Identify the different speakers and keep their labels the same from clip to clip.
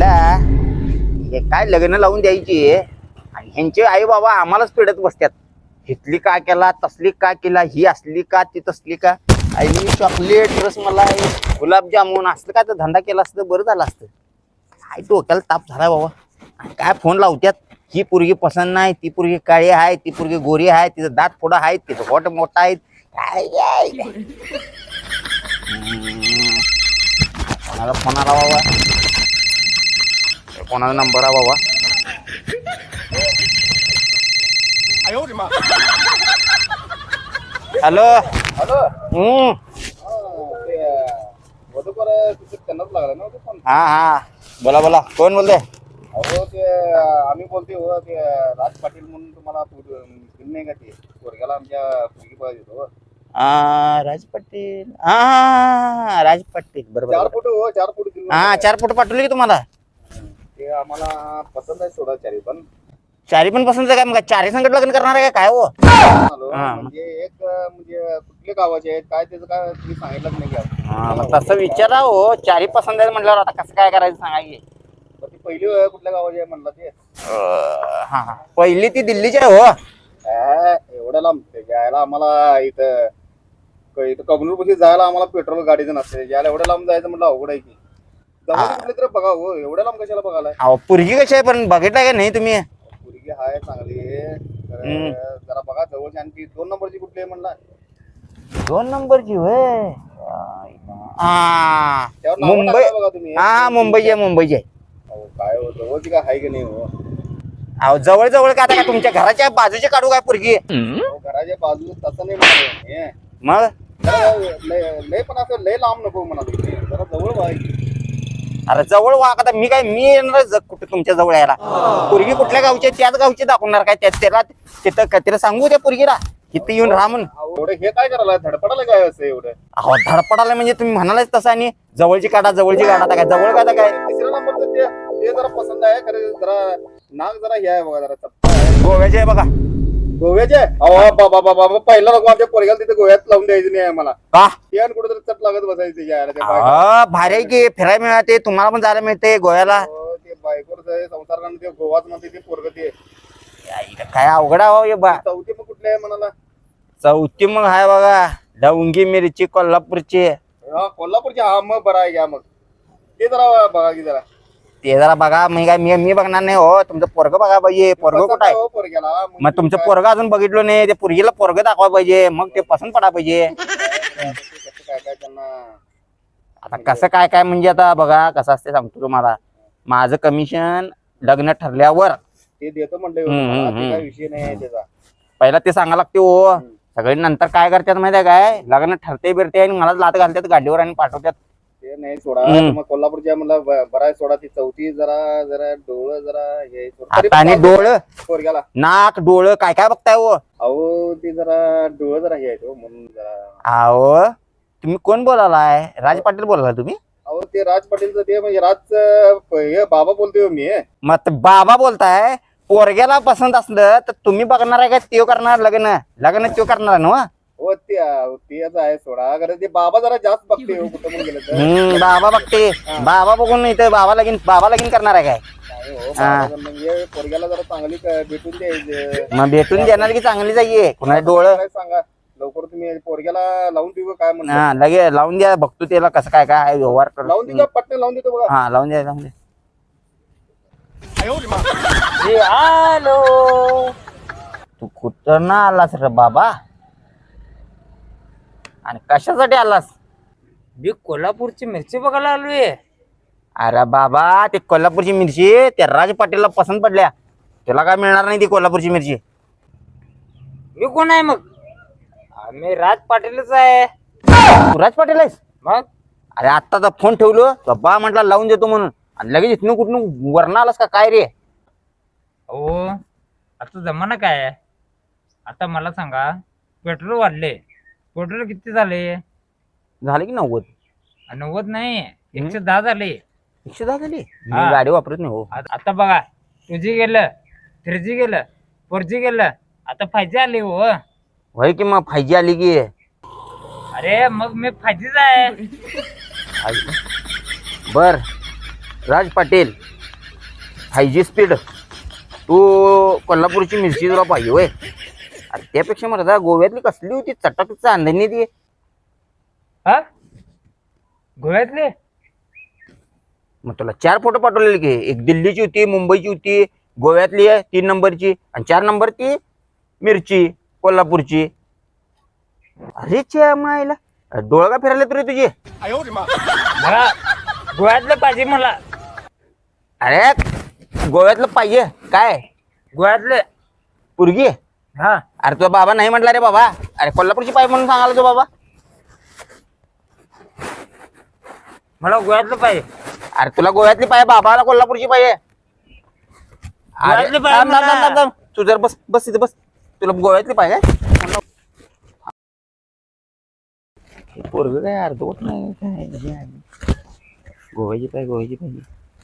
Speaker 1: आईला हे काय लग्न लावून द्यायची आणि ह्यांचे आई बाबा आम्हालाच पिडत बसतात. हितली का केला, तसली का केला, ही असली का, ती तसली का. आईने चॉकलेट, रसमलाई, गुलाबजामुन असलं काय तर धंदा केला असतं बरं झालं असतं. काय डोक्याला ताप झाला बाबा. काय फोन लावत्यात, ही पोरगी पसंत नाही, ती पोरगी काळी आहे, ती पोरगी गोरी आहे, तिचं दात फोडा आहे, तिचं होट मोठा आहे. कोणाला फोन आला बाबा, कोणाचा नंबर आहे बाबा. Hello
Speaker 2: hello.
Speaker 1: हा हा बोला बोला, कोण बोलते?
Speaker 2: अहो ते आम्ही बोलते हो, ते राज पाटील म्हणून तुम्हाला नाही का, ते पोरग्याला आमच्या मुलगी पाहिजे हो.
Speaker 1: राज पाटील, हा राज पाटील बरोबर.
Speaker 2: 4 फूट हो, 4 फूट.
Speaker 1: हा 4 फूट पाठवले की तुम्हाला.
Speaker 2: ते आम्हाला पसंत आहे सोडा, चारी पण.
Speaker 1: चारी पण पसंत आहे का? मग चारी संकट लग्न करणार आहे काय हो?
Speaker 2: म्हणजे एक म्हणजे कुठले गावाचे आहेत काय, त्याचं काय तुम्ही सांगितलंच नाही का?
Speaker 1: हा मग तसं विचारा हो, चारी पसंत आहे म्हटल्यावर आता कसं काय करायचं सांगा की.
Speaker 2: ती पहिली कुठल्या गावाची आहे म्हणला ते?
Speaker 1: हा हा पहिली ती दिल्लीची आहे हो.
Speaker 2: एवढ्या लांब जायला आम्हाला इथं कबनूर पाशी जायला आम्हाला पेट्रोल गाडीचं नसते. यायला एवढ्या लांब जायचं म्हटलं अवघड आहे की. जवळ कुठले तर बघा हो, एवढ्या लांब कशाला बघायला?
Speaker 1: अहो पोरगी कशी आहे पण बघितलं का नाही तुम्ही?
Speaker 2: पोरगी हाय चांगली, जरा बघा जवळची. आणि 2 नंबरची कुठली आहे म्हणला?
Speaker 1: 2 नंबरची होय. हा
Speaker 2: त्यावर नाव
Speaker 1: मुंबई.
Speaker 2: टाका बघा तुम्ही.
Speaker 1: हा मुंबईची आहे, मुंबईची आहे.
Speaker 2: अहो काय हो, जवळची काय आहे की नाही हो?
Speaker 1: अहो जवळ जवळ का आता काय तुमच्या घराच्या बाजूची काढू काय पोरगी?
Speaker 2: अहो, घराच्या बाजूला तसं नाही म्हणाले.
Speaker 1: मग
Speaker 2: लय पण असं लय लांब नको म्हणाले, जरा जवळ व्हायची.
Speaker 1: अरे जवळ वा आता मी काय मी येणार कुठे तुमच्या जवळ यायला? पोरगी कुठल्या गावची आहे त्याच गावची दाखवणार काय? त्याला तिथं तिला सांगू त्या पोरगीला इथं येऊन राहा म्हणून.
Speaker 2: एवढं हे काय करायला, धडपडायला काय असं एवढं?
Speaker 1: अहो धडपडाला म्हणजे तुम्ही म्हणालाच तसं. आणि जवळची काढा, जवळची काढा, आता काय जवळ काय काय?
Speaker 2: 3ऱ्या नंबरचं ते जरा पसंत आहे खरं. जरा नाक जरा हे आहे बघा, जरा चपटा आहे.
Speaker 1: गोव्याचे आहे बघा.
Speaker 2: गोव्याचे? अहो बाबा बाबा, पहिला नको आमच्या पोरग्याला तिथे गोव्यात लावून द्यायचं नाही आम्हाला.
Speaker 1: का?
Speaker 2: ते आणि कुठेतरी चट लागत बसायचं यायला.
Speaker 1: भारी आहे की, फिरायला मिळते, तुम्हाला पण जायला मिळते गोव्याला.
Speaker 2: ते बायकोर संसार करणं, ते गोवाच म्हणते ते पोरग. ते
Speaker 1: काय अवघड आहे बा.
Speaker 2: चौथी मग कुठले आहे म्हणाला?
Speaker 1: चौथी मग हाय बघा, डवंगी मिरची कोल्हापूरची.
Speaker 2: हा कोल्हापूरची. हा मग बरं आहे घ्या. मग ते जरा बघा की जरा.
Speaker 1: ते जरा बघा. मी काय मी बघणार नाही हो, तुमचं पोरग बघा पाहिजे. पोरग कुठं आहे?
Speaker 2: पोरग्याला
Speaker 1: मग तुमचं पोरग अजून बघितलं नाही, ते पोरगीला पोरग दाखवा पाहिजे, मग ते पसंत पडा पाहिजे.
Speaker 2: काय काय त्यांना
Speaker 1: आता कसं काय काय म्हणजे आता बघा कसं असते सांगतो तुम्हाला. माझं कमिशन लग्न ठरल्यावर
Speaker 2: ते देतो म्हणले, काय विषय नाही त्याचा.
Speaker 1: पहिला ते सांगा लागते हो. सगळे नंतर काय करतात माहिती आहे काय? लग्न ठरते बिरते आणि मला लात घालतात गाडीवर आणि पाठवतात.
Speaker 2: ते नाही सोडा. मग कोल्हापूरच्या म्हणला बरा आहे सोडा. ती चौथी जरा जरा डोळं जरा हे
Speaker 1: आणि डोळं,
Speaker 2: पोरग्याला
Speaker 1: नाक, डोळं काय काय बघताय हो?
Speaker 2: अहो ते जरा डोळं जरा हे आहेत म्हणून जरा.
Speaker 1: अहो तुम्ही कोण बोलालाय? राज पाटील बोलाला तुम्ही?
Speaker 2: अहो ते राज पाटीलचं ते म्हणजे राजचं हे बाबा बोलतोय मी.
Speaker 1: मग बाबा बोलताय. पोरग्याला पसंत असलं तर तुम्ही बघणार आहे का त्यो करणार लग्न? लग्न त्यो करणार ना?
Speaker 2: हो ते आहे सोडा. खरं ते बाबा जरा जास्त बघते हो, कुठं म्हणून गेलं तर.
Speaker 1: बाबा बघते. बाबा बघून इथं बाबा लगीन करणार आहे काय?
Speaker 2: म्हणजे पोरग्याला जरा चांगली भेटून द्यायचं.
Speaker 1: मग भेटून देणार की चांगली जाईये. कुणाला डोळं
Speaker 2: काय सांगा लवकर तुम्ही पोरग्याला लावून देऊ काय म्हणतो?
Speaker 1: हा लगे लावून द्या, बघतो त्याला कसं काय काय व्यवहार कर.
Speaker 2: लावून देऊ पटकन लावून देतो बघा.
Speaker 1: हा लावून द्या, लावून द्या. हॅलो, तू कुठं ना आलास रे बाबा? आणि कशासाठी आलास?
Speaker 3: मी कोल्हापूरची मिरची बघायला आलोय.
Speaker 1: अरे बाबा ते कोल्हापूरची मिरची त्या राज पाटीलला पसंत पडल्या. तुला काय मिळणार नाही ती कोल्हापूरची मिरची.
Speaker 3: मी कोण आहे मग? आम्ही राज पाटीलच आहे.
Speaker 1: तू राज पाटील आहेस?
Speaker 3: मग
Speaker 1: अरे आत्ताचा फोन ठेवलो तो बा म्हटला लावून देतो म्हणून, आणि लगेच इथनं कुठून वरनं आलास का काय रे?
Speaker 3: हो आता जमाना काय आहे? आता मला सांगा, पेट्रोल वाढले. पेट्रोल किती झाले?
Speaker 1: झाले की 90.
Speaker 3: 90 नाही, 110 झाले.
Speaker 1: 110 झाली? मी
Speaker 3: हा.
Speaker 1: गाडी वापरत नाही हो.
Speaker 3: आता बघा, 2G गेलं, 3G गेलं, 4G गेलं, आता 5G आले हो.
Speaker 1: होय की मग 5G आली की.
Speaker 3: अरे मग मी 5Gच आहे.
Speaker 1: बर राज पाटील 5G स्पीड तू कोल्हापूरची मिरची तुला पाहिजे होय. अरे त्यापेक्षा मला गोव्यातली कसली होती चटक चांदणी ती.
Speaker 3: हा गोव्यातले
Speaker 1: मग तुला 4 फोटो पाठवलेले की एक दिल्लीची होती, मुंबईची होती, गोव्यातली आहे 3 नंबरची आणि 4 नंबर ती मिरची कोल्हापूरची. अरे च्या मायला डोळा का फिरायला तरी तुझी.
Speaker 3: मला गोव्यातलं पाहिजे मला.
Speaker 1: अरे गोव्यातलं पाहिजे काय
Speaker 3: गोव्यातले
Speaker 1: पुरगी.
Speaker 3: हा
Speaker 1: अरे तुझा बाबा नाही म्हटला रे बाबा. अरे कोल्हापूरची पाहिजे म्हणून सांगायला तो बाबा.
Speaker 3: मला गोव्यातलं पाहिजे.
Speaker 1: अरे तुला गोव्यातली पाहिजे बाबाला कोल्हापूरची पाहिजे. अरे
Speaker 3: गोव्यातली पाहिजे
Speaker 1: थांब, थांब,
Speaker 3: मला.
Speaker 1: थांब, थांब. तू जर बस बस इथे बस. तुला गोव्यातली पाहिजे पोरग काय अर्धवट नाही काय. गोव्याची पाहिजे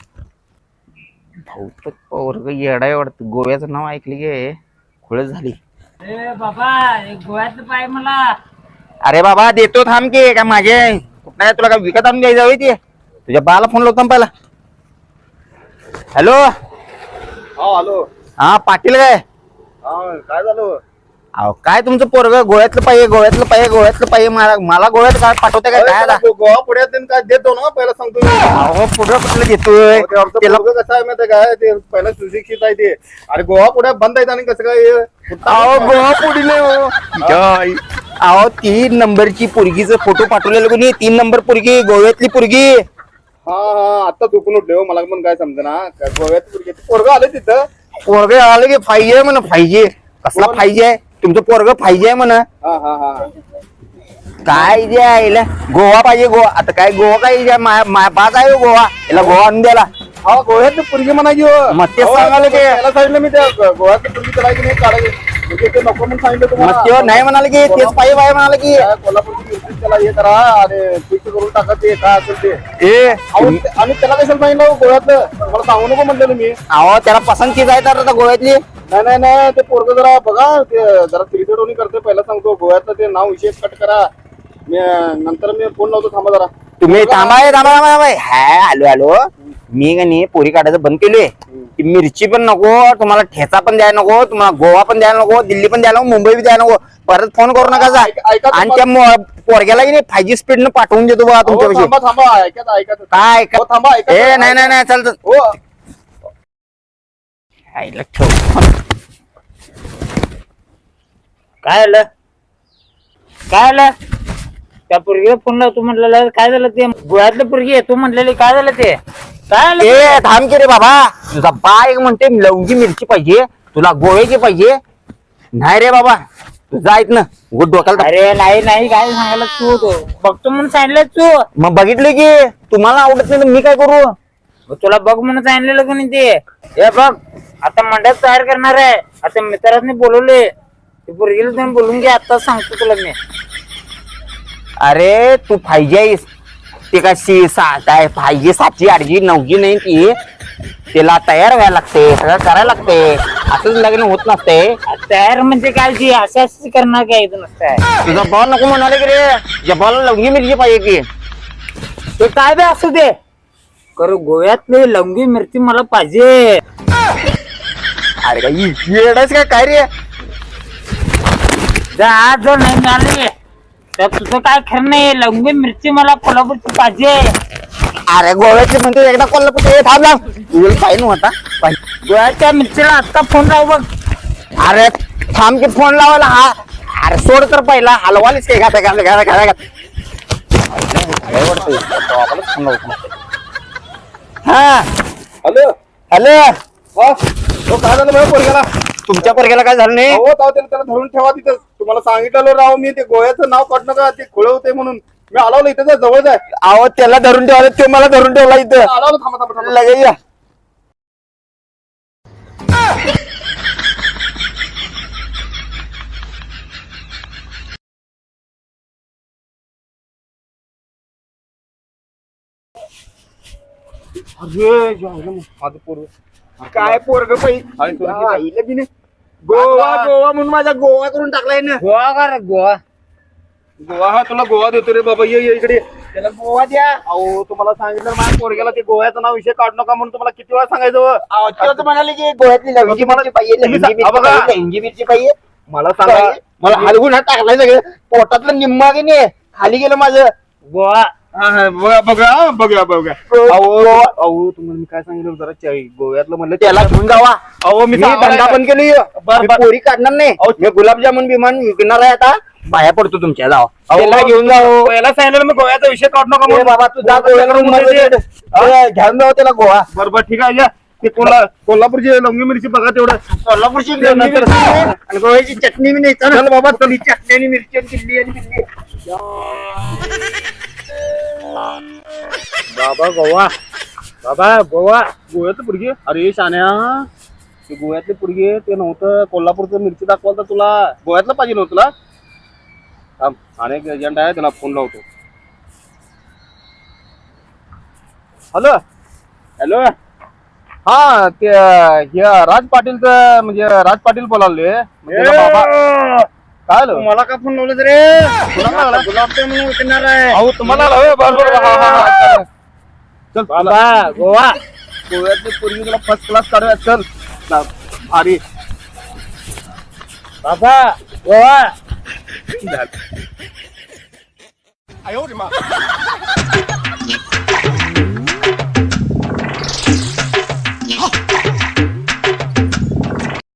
Speaker 1: भाऊ तर पोरग येडाय वाटतं. गोव्याचं नाव ऐकले गे खुळ झाली.
Speaker 3: ए बाबा एक गोव्यातलं पाहिजे मला.
Speaker 1: अरे बाबा देतो थांब की काय माझे कुठं तुला काय विकत आणून द्यायचं होय ते. तुझ्या बाला फोन लावतो पहिला. हॅलो
Speaker 2: हा हॅलो.
Speaker 1: हा पाटील काय.
Speaker 2: हा काय झालं.
Speaker 1: अहो काय तुमचं पोरग गोव्यातलं पाहिजे मला गोव्यात काय पाठवते काय काय आता?
Speaker 2: गोवा पुढ्यात काय देतो ना पहिला सांगतो मी.
Speaker 1: अहो पुढं कुठलं देतोय
Speaker 2: ते आमचं
Speaker 1: त्याला.
Speaker 2: पोरगं कसं आहे माहिती काय ते पहिला सुशिक्षित आहे ते. अरे गोवा पुढ्यात बंद आहे आणि कसं काय
Speaker 1: अहो गोवा पुढी नाही हो. जय. अहो 3 नंबरची पोरगीचं फोटो पाठवलेलं कोणी 3 नंबर पोरगी गोव्यातली पोरगी.
Speaker 2: हा आता चुकून उठले हो मला पण काय समजना गोव्यात पोरगं आलं तिथं.
Speaker 1: पोरग आलं की पाहिजे म्हण पाहिजे. कसला पाहिजे आहे तुमचं पोरग पाहिजे म्हण.
Speaker 2: हा हा हा
Speaker 1: काय जे आहे गोवा पाहिजे गोवा. आता काय गोवा काय बाज आहे हो गोवा याला गोवा आणून द्यायला.
Speaker 2: हा गोव्यात पोरगी म्हणायची हो.
Speaker 1: मग तेच सांगायला ते.
Speaker 2: त्याला सांगितलं मी त्या गोव्यात पोरगी करायची नाही काढायची म्हणजे ते नको म्हणून सांगितलं
Speaker 1: मग
Speaker 2: तुम्हाला.
Speaker 1: तेव्हा नाही म्हणाले की तेच पाहिजे म्हणाले की.
Speaker 2: काय कोल्हापूरची युती त्याला हे करा आणि फिक्स करून टाका ते काय असेल ते. अहो, आणि त्याला कशाला सांगितलं हो गोव्यातलं मला सांगू नको म्हटलेलं मी.
Speaker 1: अहो त्याला पसंती जायचं आता गोव्यातली.
Speaker 2: नाही ते पोरग जरा बघा ते जरा तिरतडवणी करते पहिला सांगतो गोव्यातलं ते नाव विशेष कट करा. मी नंतर मी फोन लावतो थांबा जरा.
Speaker 1: तुम्ही थांबा हाय आलो मी का नाही पोरी काढायचं बंद केलोय. ती मिरची पण नको तुम्हाला ठेचा पण द्यायला नको तुम्हाला गोवा पण द्यायला नको दिल्ली पण द्यायला नको मुंबई पण द्यायला नको. परत फोन करू नका जा.
Speaker 2: ऐका
Speaker 1: आणि त्या पोरग्याला की नाही 5G स्पीड न पाठवून देतो बघा तुमच्यापाशी.
Speaker 2: थांबा ऐका
Speaker 1: काय
Speaker 2: हो, थांबा ऐका.
Speaker 1: ए नाही चालत.
Speaker 2: हो
Speaker 3: काय आलं त्या पोरगीला फोन लावतो म्हटलेलं काय झालं ते. गोव्यातलं पोरगी आहे तू म्हटलेली काय झालं ते. काय आलं
Speaker 1: ए थांब की रे बाबा. तुझा बा एक म्हणते लवंगी मिरची पाहिजे तुला गोव्याची पाहिजे. नाही रे बाबा तू जायत ना उगत डोक्याला.
Speaker 3: अरे नाही काय सांगायला तू बघतो म्हणून सांगितलं तू.
Speaker 1: मग बघितलं की तुम्हाला आवडत नाही तर मी काय करू.
Speaker 3: मग तुला बघ म्हणून सांगितलेलं कोणी ते. हे बघ आता मंडप तयार करणार आहे. आता मित्रांनी बोलवले ते पोरगीला तुम्ही बोलून घे. आता सांगतो तुला मी.
Speaker 1: अरे तू 5G आहेस ते काय 7 आहे 5G 7G 8G 9G नाही ती. त्याला तयार व्हायला लागते सगळं करायला लागते. असंच लग्न होत नसते.
Speaker 3: तयार म्हणजे काय जी असं करणार काय इथं नसतंय.
Speaker 1: तुझा बॉल नको म्हणाले की रे. तुझ्या बॉल लवंगी मिरची पाहिजे की.
Speaker 3: ते काय बे असू दे कर गोव्यातली लवंगी मिरची मला पाहिजे.
Speaker 1: अरे काय येडायच काय रे.
Speaker 3: आज जर नाही मिळाली तर तुझं काय खरं नाही. लवंगी मिरची मला कोल्हापूरची पाहिजे.
Speaker 1: अरे गोव्याची म्हणते एकदा कोल्हापूर थांब पाहिजे होता.
Speaker 3: गोव्याच्या मिरचीला आता फोन लाव बघ.
Speaker 1: अरे थांब की फोन लावायला. हा अरे सोड तर पहिला हलवालीच काय हा
Speaker 2: हॅलो
Speaker 1: हॅलो.
Speaker 2: काय झालं माझ्या पोरग्याला.
Speaker 1: तुमच्या पोरग्याला काय झालं नाही.
Speaker 2: हो त्याला धरून ठेवा तिथं. तुम्हाला सांगितलं राव मी ते गोव्याचं नाव काढ नका ते खुळ होते म्हणून मी आलो इथं जवळच आहे.
Speaker 1: अहो त्याला धरून ठेवलं ते मला धरून ठेवला इथं.
Speaker 2: आलो थांबा
Speaker 1: लगेच या.
Speaker 2: माझं पोरग
Speaker 1: काय पोरग पाहिजे गोवा म्हणून माझा गोवा करून टाकलाय ना.
Speaker 3: गोवा कर गोवा.
Speaker 2: गोवा हा तुला गोवा देतो रे बाबा ये इकडे त्याला गोवा द्या. अहो तुम्हाला सांगितलं माझ्या पोरग्याला ते गोव्याचं नाव विषय काढू नका म्हणून तुम्हाला किती वेळा सांगायचं.
Speaker 1: म्हणाले की गोव्यातली लवंगी मिरची पाहिजे, लवंगी मिरची पाहिजे.
Speaker 2: मला सांगा
Speaker 1: मला हलवून हात टाकलाय सगळं, पोटातलं निम्मा की नाही खाली गेलं माझं.
Speaker 3: गोवा
Speaker 2: बघा अहो तुम्हाला मी काय सांगितलं जरा गोव्यातलं म्हणलं
Speaker 1: त्याला घेऊन जावा.
Speaker 2: अहो मी
Speaker 1: धंदा बंद केली, पोरी काढणार नाही. मी गुलाबजामुन बिमान विकणार आहे आता. बाया पडतो तुमच्या जावा, त्याला घेऊन जाऊ.
Speaker 2: पहिला सांगितलं मी गोव्याचा विषय काढू नका
Speaker 1: ए
Speaker 2: म्हणून.
Speaker 1: बाबा तू जा गोव्याला room मध्ये. घेऊन जाऊ त्याला गोवा.
Speaker 2: बरोबर ठीक आहे या. ते कोल्हापूरची लवंगी मिरची बघा तेवढं.
Speaker 1: कोल्हापूरची लवंगी मिरची आणि गोव्याची चटणी बी नाही. चल बाबा चल, ही चटणी आणि मिरची आणि किल्ली आणि बिल्ली.
Speaker 2: बाबा गोव्यातलं पुरगी. अरे शान्या ते गोव्यातले पुरगी ते नव्हतं, कोल्हापूरचं मिरची दाखवाल तर तुला गोव्यातलं पाहिजे नव्हतं तुला. थांब, अनेक एजंट आहे त्याला फोन लावतो. हॅलो हा ते राज पाटीलचं म्हणजे राज पाटील बोलावले. बाबा काय आलं?
Speaker 1: मला का फोन लावलं रे?
Speaker 2: गुलाबजामुन
Speaker 1: विकणार आहे.
Speaker 2: अहो तुम्हाला बरोबर. चल
Speaker 3: बाबा गोवा
Speaker 2: गोव्यातली पोरगी तुला फर्स्ट क्लास काढूया. चल अरे
Speaker 3: बाबा गोवा.